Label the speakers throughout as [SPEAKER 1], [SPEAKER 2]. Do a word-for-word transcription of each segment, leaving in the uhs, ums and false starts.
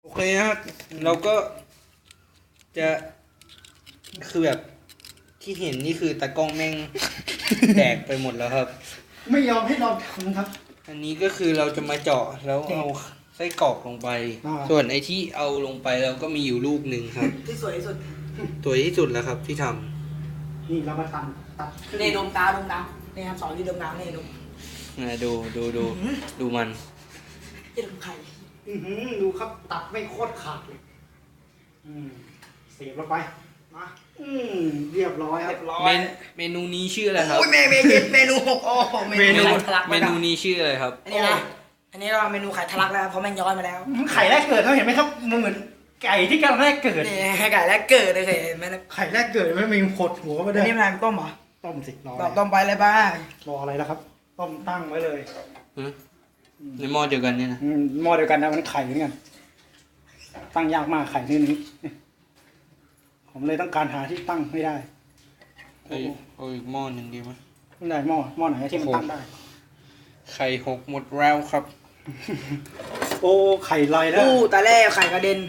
[SPEAKER 1] โอเคนะครับเราก็จะคือแบบที่เห็นนี่คือตากล้องแม่ง แตกไปหมดแล้วครับ
[SPEAKER 2] ไม่ยอมให้เราทำครับ
[SPEAKER 1] อันนี้ก็คือเราจะมาเจาะแล้วเอาไส้กรอกลงไป
[SPEAKER 2] อ่า
[SPEAKER 1] ส่วนไอ้ที่เอาลงไปเราก็มีอยู่ลูกหนึ่งครับ
[SPEAKER 3] ที่สวยที่สุด
[SPEAKER 1] ตัวที่สุดแล้วครับที่ทำ
[SPEAKER 2] นี่เรามาตัดตัดขึ้น
[SPEAKER 3] เนดมตาดมตาเนี่ยครับสอนที่ดมตาเนดม
[SPEAKER 1] นะดูดูดูดูมัน
[SPEAKER 3] จะดมไข่
[SPEAKER 2] อื้อหือดูครับตัดไม่โคตรขาดเลยอืมเสียบลงไปมาอืมเรียบร้อยครับ
[SPEAKER 1] เมนเมนูนี้ชื่ออะไรครับ
[SPEAKER 3] โอ้ยเมนูเมนูเมนูหกโอ้โห
[SPEAKER 1] เมนู
[SPEAKER 3] ไข่ทะลัก
[SPEAKER 1] เมนูนี้ชื่ออะไรครับ
[SPEAKER 3] อันนี้นะอันนี้เราเมนูไข่ทะลักแล้วเพราะแม่งย้อยมาแล้ว
[SPEAKER 2] ไข่แรกเกิดเขาเห็นไหมครับมันเหมือนไก่ที่กำลังแรกเกิด
[SPEAKER 3] นี่ไก่แรกเกิดเลยเคยเห็นไหมนะ
[SPEAKER 2] ไข่แรกเกิดไม่มีขดหัวมาด้
[SPEAKER 3] อั
[SPEAKER 2] วน ย
[SPEAKER 3] นี้มันอะไรต้มเหรอ
[SPEAKER 2] ต้มสิรอ
[SPEAKER 3] บอกต้มไปเลยบ้าง
[SPEAKER 2] รออะไรแล้วครับ ต้มตั้งไว้เลย
[SPEAKER 1] ในหม้อเดียวกันเนี่ยนะ
[SPEAKER 2] อืมหม้อเดียวกันนะมันไข่เหมือนกันตั้งยากมากไข่นี่นี้ผมเลยต้องการหาที่ตั้งไม่ได้
[SPEAKER 1] เอาอีกเอาอีกหม้อหนึ่งดีไหม
[SPEAKER 2] ไม่ได้หม้อหม้อไหนที่มันตั้งได้
[SPEAKER 1] ไข่หกหมดแล้วครับ
[SPEAKER 2] โอ้ไข่ลอยแล้ว
[SPEAKER 3] อู้ตาแรกไข่กระเด็น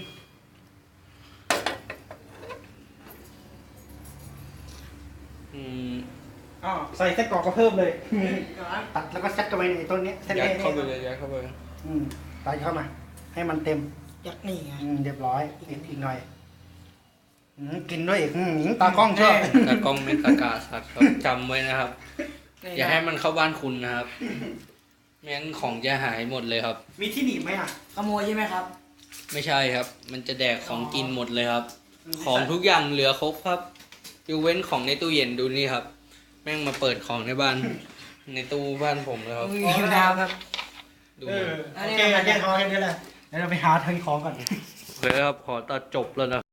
[SPEAKER 1] อืม
[SPEAKER 2] อ๋อใส่ไส้กรอกก็เพิ่มเลย ตัดแล้วก็ซัดเข้าไปในต้นนี้เส้น
[SPEAKER 1] ยัด
[SPEAKER 2] เล็ก
[SPEAKER 1] เข้าไปเลยยัดเข้าไป
[SPEAKER 2] อืมใส่เข้ามา ให้มันเต็ม
[SPEAKER 3] ยักษ์นี่ไง
[SPEAKER 2] อืมเรียบร้อยอีกอีกหน่อยอืมกินด้วยอีกอืมตากล้องชอบ
[SPEAKER 1] ตากล้องเป็นตากาสัตว์ครับจำไว้นะครับ อย่าให้มันเข้าบ้านคุณนะครับไม่งั้นของจะหายหมดเลยครับ
[SPEAKER 2] มีที่หนีบไหมอ่ะ
[SPEAKER 3] ขโมยใช่ไหมครับ
[SPEAKER 1] ไม่ใช่ครับ มันจะแดกของกินหมดเลยครับ ของทุกอย่างเหลือครบครับยกเว้นของในตู้เย็นดูนี่ครับ แม่งมาเปิดของในบ้าน ในตู้บ้านผมเลยครับ
[SPEAKER 3] มีอยู่ดาวครับ
[SPEAKER 1] ดู
[SPEAKER 2] เอ
[SPEAKER 1] มัน
[SPEAKER 2] อโอเคแค่พอแค่นี้แหละเดี๋ยวเราไปหาทางของก่อน
[SPEAKER 1] โอเคครับขอตัดจบแล้วนะ